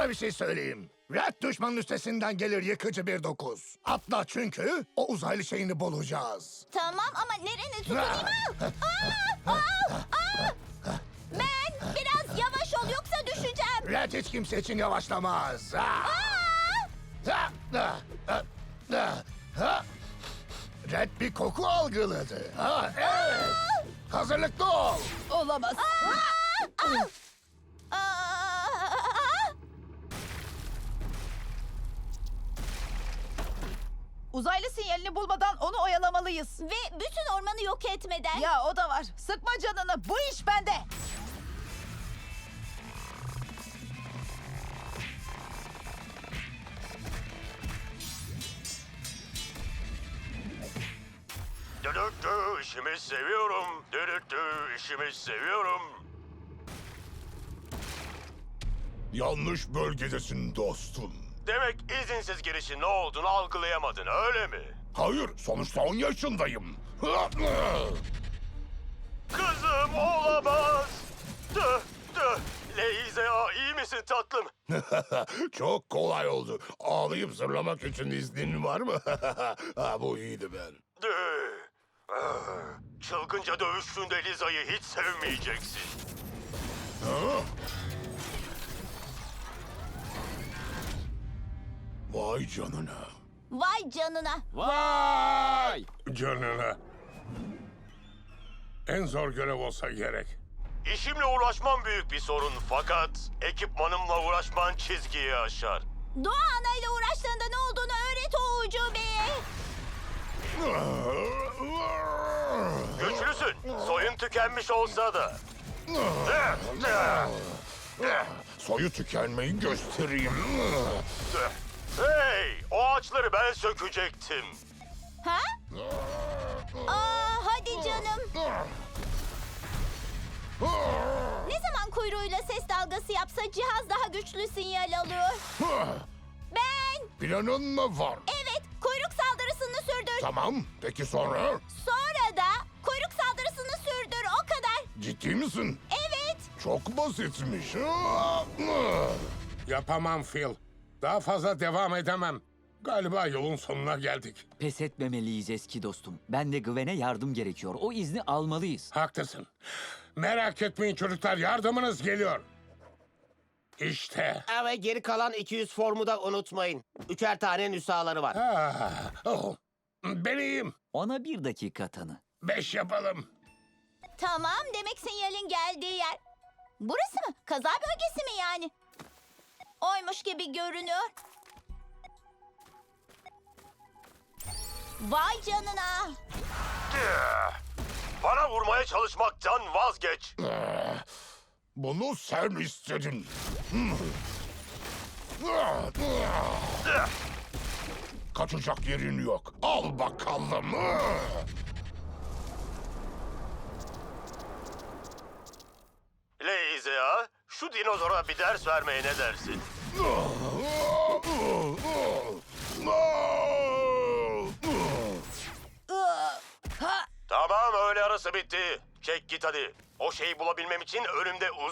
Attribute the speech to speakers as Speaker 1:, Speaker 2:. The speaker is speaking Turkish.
Speaker 1: Sana bir şey söyleyeyim. Red düşmanın üstesinden gelir yıkıcı bir dokuz. Atla çünkü o uzaylı şeyini bulacağız.
Speaker 2: Tamam ama nereni tutayım? Ben biraz yavaş ol yoksa düşeceğim.
Speaker 1: Red hiç kimse için yavaşlamaz. Red bir koku algıladı. Evet. Hazırlıklı ol.
Speaker 3: Olamaz. Uzaylı sinyalini bulmadan onu oyalamalıyız.
Speaker 2: Ve bütün ormanı yok etmeden.
Speaker 3: Ya o da var. Sıkma canını. Bu iş bende.
Speaker 4: Dürüttü işimi seviyorum. Dürüttü işimi seviyorum.
Speaker 1: Yanlış bölgedesin dostum.
Speaker 4: Demek izinsiz girişin ne olduğunu algılayamadın öyle mi?
Speaker 1: Hayır, sonuçta 10 yaşındayım.
Speaker 4: Kızım olamaz. Tüh tüh. Leiza iyi misin tatlım?
Speaker 1: Çok kolay oldu. Ağlayıp zırlamak için iznin var mı? Bu iyiydi ben.
Speaker 4: Tüh. Çılgınca dövüştüğünde Liza'yı hiç sevmeyeceksin.
Speaker 1: Vay canına.
Speaker 2: Vay canına.
Speaker 5: Vay!
Speaker 1: Canına. En zor görev olsa gerek.
Speaker 4: İşimle uğraşman büyük bir sorun fakat ekipmanımla uğraşman çizgiyi aşar.
Speaker 2: Doğa anayla uğraştığında ne olduğunu öğret o ucubeye.
Speaker 4: Güçlüsün. Soyun tükenmiş olsa da.
Speaker 1: Soyu tükenmeyi göstereyim.
Speaker 4: Hey! O ağaçları ben sökecektim.
Speaker 2: Ha? Hadi canım. Ne zaman kuyruğuyla ses dalgası yapsa cihaz daha güçlü sinyal alıyor. Ben.
Speaker 1: Planın mı var?
Speaker 2: Evet, kuyruk saldırısını sürdür.
Speaker 1: Tamam, peki sonra?
Speaker 2: Sonra da kuyruk saldırısını sürdür, o kadar.
Speaker 1: Ciddi misin?
Speaker 2: Evet.
Speaker 1: Çok basitmiş.
Speaker 6: Yapamam Phil. Daha fazla devam edemem. Galiba yolun sonuna geldik.
Speaker 5: Pes etmemeliyiz eski dostum. Ben de Gwen'e yardım gerekiyor. O izni almalıyız.
Speaker 6: Haklısın. Merak etmeyin çocuklar, yardımınız geliyor. İşte.
Speaker 7: Ve geri kalan 200 formu da unutmayın. 3'er tane nüshaları var.
Speaker 6: Ben iyiyim.
Speaker 5: Ona bir dakika tanı.
Speaker 6: 5 yapalım.
Speaker 2: Tamam, demek sinyalin geldiği yer. Burası mı? Kaza bölgesi mi yani? Oymuş gibi görünüyor. Vay canına.
Speaker 4: Bana vurmaya çalışmaktan vazgeç.
Speaker 1: Bunu sen istedin. Kaçacak yerin yok. Al bakalım.
Speaker 4: Leiza, şu dinozora bir ders vermeye ne dersin? Tamam öğle arası bitti. Çek git hadi. O şeyi bulabilmem için önümde